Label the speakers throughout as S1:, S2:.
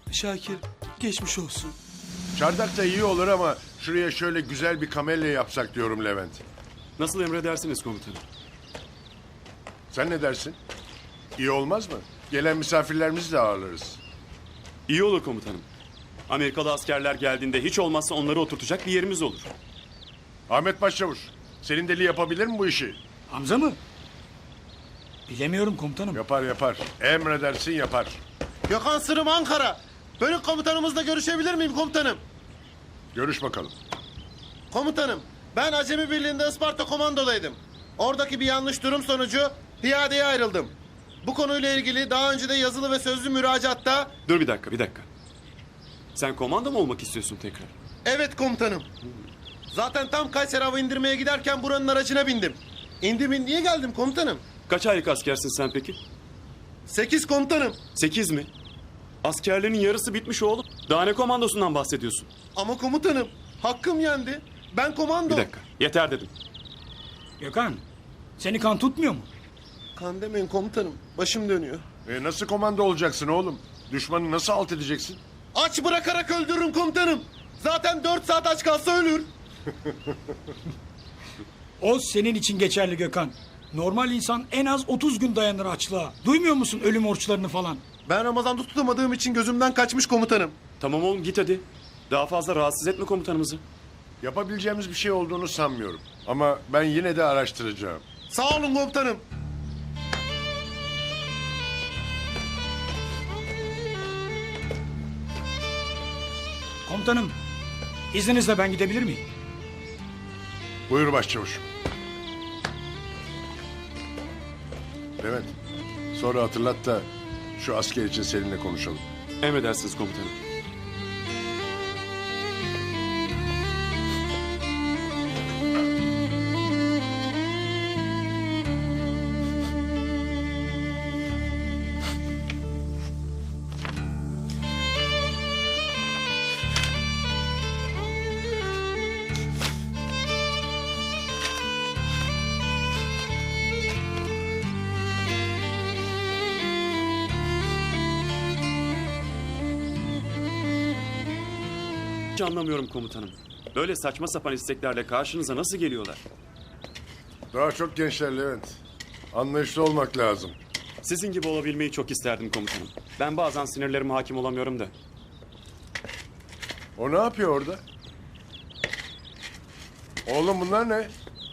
S1: Şakir geçmiş olsun.
S2: Çardak da iyi olur ama şuraya şöyle güzel bir kamelya yapsak diyorum Levent.
S3: Nasıl emredersiniz komutanım?
S2: Sen ne dersin? İyi olmaz mı? Gelen misafirlerimizi de ağırlarız.
S3: İyi olur komutanım. Amerikalı askerler geldiğinde hiç olmazsa onları oturtacak bir yerimiz olur.
S2: Ahmet Başçavuş, senin deli yapabilir mi bu işi?
S4: Hamza mı? Bilemiyorum komutanım.
S2: Yapar yapar. Emredersin yapar.
S5: Gökhan Sırım Ankara. Bölük komutanımızla görüşebilir miyim komutanım?
S2: Görüş bakalım.
S5: Komutanım, ben Acemi Birliği'nde Isparta komandodaydım. Oradaki bir yanlış durum sonucu piyadeye ayrıldım. Bu konuyla ilgili daha önce de yazılı ve sözlü müracaatta...
S3: Dur bir dakika. Sen komando mu olmak istiyorsun tekrar?
S5: Evet komutanım. Zaten tam Kayseri hava indirmeye giderken buranın aracına bindim. İndim indiye geldim komutanım.
S3: Kaç aylık askersin sen peki?
S5: 8 komutanım.
S3: 8 mi? Askerlerin yarısı bitmiş oğlum. Daha ne komandosundan bahsediyorsun?
S5: Ama komutanım, hakkım yendi. Ben komando...
S3: Bir dakika. Yeter dedim.
S4: Gökhan, seni kan tutmuyor mu?
S5: Kan demeyin komutanım, başım dönüyor.
S2: Nasıl komando olacaksın oğlum? Düşmanı nasıl alt edeceksin?
S5: Aç bırakarak öldürürüm komutanım. Zaten 4 saat aç kalsa ölür.
S4: O senin için geçerli Gökhan. Normal insan en az 30 gün dayanır açlığa. Duymuyor musun ölüm orçlarını falan?
S5: Ben Ramazan'da tutamadığım için gözümden kaçmış komutanım.
S3: Tamam oğlum git hadi. Daha fazla rahatsız etme komutanımızı.
S2: Yapabileceğimiz bir şey olduğunu sanmıyorum. Ama ben yine de araştıracağım.
S5: Sağ olun komutanım.
S4: Komutanım, izninizle ben gidebilir miyim?
S2: Buyur başçavuşum. Levent, sonra hatırlat da şu asker için seninle konuşalım.
S3: Emredersiniz komutanım. Hiç anlamıyorum komutanım. Böyle saçma sapan isteklerle karşınıza nasıl geliyorlar?
S2: Daha çok gençler Levent. Anlayışlı olmak lazım.
S3: Sizin gibi olabilmeyi çok isterdim komutanım. Ben bazen sinirlerime hakim olamıyorum da.
S2: O ne yapıyor orada? Oğlum bunlar ne?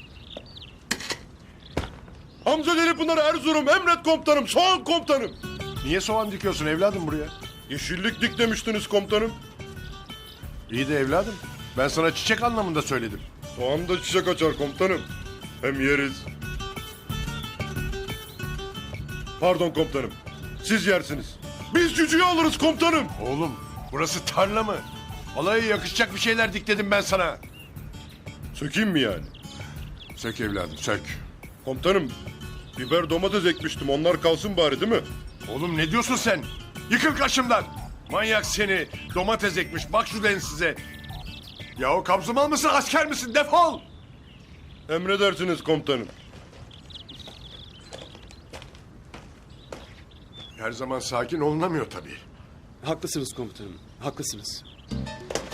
S6: Hamza Delipınar Erzurum, emret komutanım, soğan komutanım.
S2: Niye soğan dikiyorsun evladım buraya?
S6: Yeşillik dik demiştiniz komutanım.
S2: İyi de evladım. Ben sana çiçek anlamında söyledim.
S6: Soğan da çiçek açar komutanım. Hem yeriz. Pardon komutanım, siz yersiniz. Biz cücüğü alırız komutanım.
S2: Oğlum burası tarla mı? Olaya yakışacak bir şeyler dikledim ben sana.
S6: Sökeyim mi yani?
S2: Sök evladım sök.
S6: Komutanım, biber domates ekmiştim, onlar kalsın bari değil mi?
S2: Oğlum ne diyorsun sen? Yıkıl karşımdan. Manyak seni. Domates ekmiş. Bak şu densize. Yahu kabzımal mısın asker misin? Defol.
S6: Emredersiniz komutanım.
S2: Her zaman sakin olunamıyor tabii.
S3: Haklısınız komutanım, haklısınız.